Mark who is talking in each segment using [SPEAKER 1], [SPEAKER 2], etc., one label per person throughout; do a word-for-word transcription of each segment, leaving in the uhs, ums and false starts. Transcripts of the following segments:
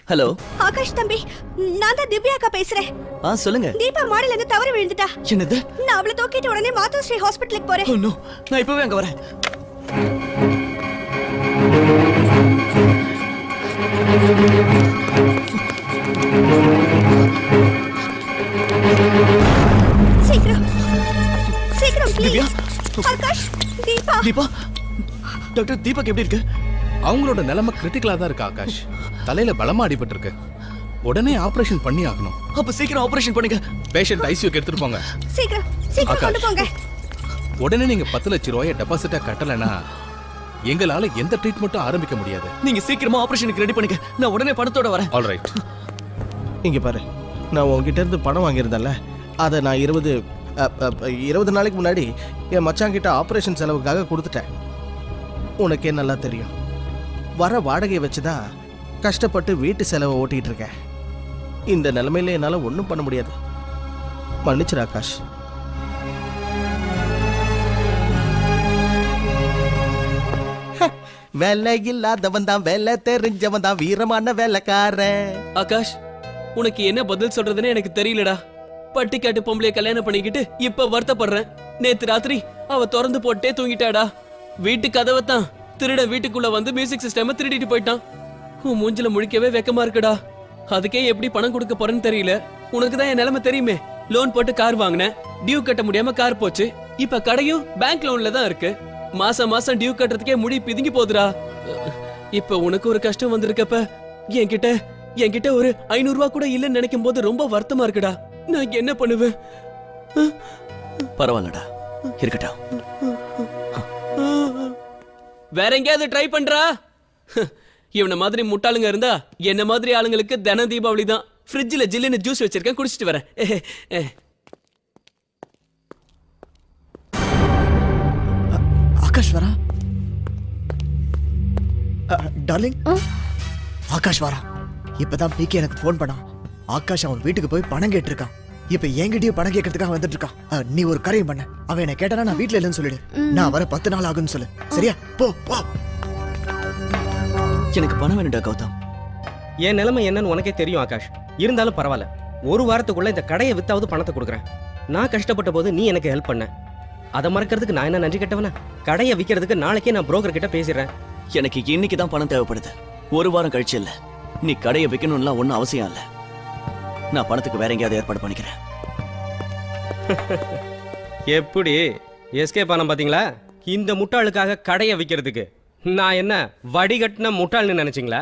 [SPEAKER 1] Hello
[SPEAKER 2] Akash தம்பி, நான் தான் திவ்யா அக்கா பேசுறேன்.
[SPEAKER 1] ஆ சொல்லுங்க.
[SPEAKER 2] தீபா மாடில இருந்து தவறி விழுந்துட்டா.
[SPEAKER 1] என்னது?
[SPEAKER 2] நான் அவளை தூக்கிட்டு உடனே மாதோஸ்ரீ ஹாஸ்பிட்டலுக்கு போறேன்.
[SPEAKER 1] ஓ நோ, நான் இப்பவே அங்க வரேன்.
[SPEAKER 2] சீக்கிரம் சீக்கிரம்
[SPEAKER 1] திவ்யா.
[SPEAKER 2] ப்ளீஸ். ஆகாஷ், தீபா.
[SPEAKER 1] தீபா, டாக்டர் தீபக் எப்படி இருக்கு?
[SPEAKER 3] அவங்களோட நிலைமை கிரிட்டிக்கலா தான் இருக்கு ஆகாஷ். தலையில பலமா அடிபட்டு இருக்கு. உடனே ஆபரேஷன் பண்ணி ஆகணும்.
[SPEAKER 1] அப்ப சீக்கிரம் ஆபரேஷன் பண்ணுங்க.
[SPEAKER 3] பேஷண்ட் ஐசியூக்கு எடுத்துட்டு போங்க.
[SPEAKER 2] சீக்கிரம் சீக்கிரம் கொண்டு போங்க.
[SPEAKER 3] உடனே நீங்க பத்து லட்சம் ரூபாயை டெபாசிட்டா கட்டலனா எங்களால எந்த ட்ரீட்மெண்ட்டும் ஆரம்பிக்க முடியாது.
[SPEAKER 1] நீங்க சீக்கிரமா ஆபரேஷனுக்கு ரெடி பண்ணுங்க. நான் உடனே பணத்தோட வரேன்.
[SPEAKER 3] All right.
[SPEAKER 4] இங்க பாரு, நான் உங்ககிட்ட இருந்து பணம் வாங்கியிருந்தேன்ல, அதை நான் இருபது இருபது நாளைக்கு முன்னாடி என் மச்சாங்கிட்ட ஆப்ரேஷன் செலவுக்காக கொடுத்துட்டேன். உனக்கே நல்லா தெரியும், வர வாடகையை வச்சுதான் கஷ்டப்பட்டு வீட்டு செலவை ஓட்டிகிட்டு இருக்கேன். இந்த நிலைமையில என்னால் ஒன்றும் பண்ண முடியாது. மன்னிச்சிரு ஆகாஷ். வேலை இல்லாதவன் தான் வேலை தெரிஞ்சவன் தான் வீரமான வேலைக்காரன்.
[SPEAKER 5] ஆகாஷ், உனக்கு என்ன பதில் சொல்றதுன்னு எனக்கு தெரியலடா. பட்டிக்காட்டு பொம்பளைய கல்யாணம் பண்ணிக்கிட்டு இப்ப வருத்தப்படுறேன். நேத்து ராத்திரி அவ திறந்து போட்டே தூங்கிட்டாடா. வீட்டு கதவை தான் திருட வீட்டுக்குள்ள வந்து மியூசிக் சிஸ்டம் திருடிட்டு போயிட்டான். உன் மூஞ்சில முழிக்கவே வெக்கமா இருக்குடா. அதுக்கே எப்படி பணம் கொடுக்க போறேன்னு தெரியல. உனக்கு தான் என் நிலைமை தெரியுமே. லோன் போட்டு கார் வாங்கினேன், டியூ கட்ட முடியாம கார் போச்சு. இப்ப கடையும் பேங்க் லோன்ல தான் இருக்கு. மாசம் மாசம் டியூ கட்டுறதுக்கே முடி பிதுங்கி போகுதுடா. இப்ப உனக்கு ஒரு கஷ்டம் வந்திருக்கப்ப என்கிட்ட என்கிட்ட ஒரு ஐநூறு ரூபா கூட இல்லைன்னு நினைக்கும் போது ரொம்ப வருத்தமா இருக்குடா. நான் என்ன பண்ணுவேன்?
[SPEAKER 1] பரவாயில்லடா, இருக்கட்டும்.
[SPEAKER 5] வேற எங்கேயாவது ட்ரை பண்றா? இவன மாதிரி முட்டாளுங்க இருந்தா என்ன மாதிரி ஆளுங்களுக்கு தின தீபாவளி தான். ஃப்ரிட்ஜில் ஜில்லுன்னு ஜூஸ் வச்சிருக்கேன், குடிச்சிட்டு வரேன்.
[SPEAKER 6] ஆகாஷ் வரா. டார்லிங், ஆகாஷ் வரா. இப்பதான் பிகே எனக்கு ஃபோன் பண்ணான். ஆகாஷ் அவன் வீட்டுக்கு போய் பணம் கேட்டிருக்கான். இப்ப என்கிட்டயும் பணம் கேட்கறதுக்காக வந்துட்டு இருக்கான். நீ ஒரு காரியம் பண்ண, அவன் என்ன கேட்டானா நான் வீட்டுல இல்லைன்னு சொல்லிடு. நான் வர பத்து நாள் ஆகுன்னு சொல்லு, சரியா? போ போ.
[SPEAKER 1] எனக்கு பணம் வேணும்டா கௌதம்.
[SPEAKER 7] என் நிலைமை என்னன்னு உனக்கே தெரியும் ஆகாஷ். இருந்தாலும் பரவாயில்ல, ஒரு வாரத்துக்குள்ள இந்த கடையை வித்தாவது பணத்தை கொடுக்குறேன். நான் கஷ்டப்பட்ட போது நீ எனக்கு ஹெல்ப் பண்ண. அதை மறக்கிறதுக்கு நான் என்ன நன்றி கட்டவனா? கடையை விற்கிறதுக்கு நாளைக்கே நான் புரோக்கர் கிட்ட பேசிடுறேன்.
[SPEAKER 1] எனக்கு இன்னைக்கு தான் பணம் தேவைப்படுது, ஒரு வாரம் கழிச்சு இல்ல. நீ கடையை விற்கணும்லாம் ஒன்றும் அவசியம் இல்லை. நான் பணத்துக்கு வேற எங்கேயாவது ஏற்பாடு பண்ணிக்கிறேன்.
[SPEAKER 7] எப்படி எஸ்கே பணம் பாத்தீங்களா? இந்த முட்டாளுக்காக கடையை விற்கிறதுக்கு நான் என்ன வடிகட்டின முட்டாள்னு நினைச்சீங்களா?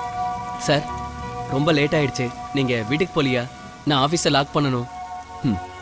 [SPEAKER 5] சார், ரொம்ப லேட் ஆயிடுச்சு. நீங்க வீட்டுக்கு போலியா? நான் ஆபீஸை லாக் பண்ணணும்.
[SPEAKER 1] ம்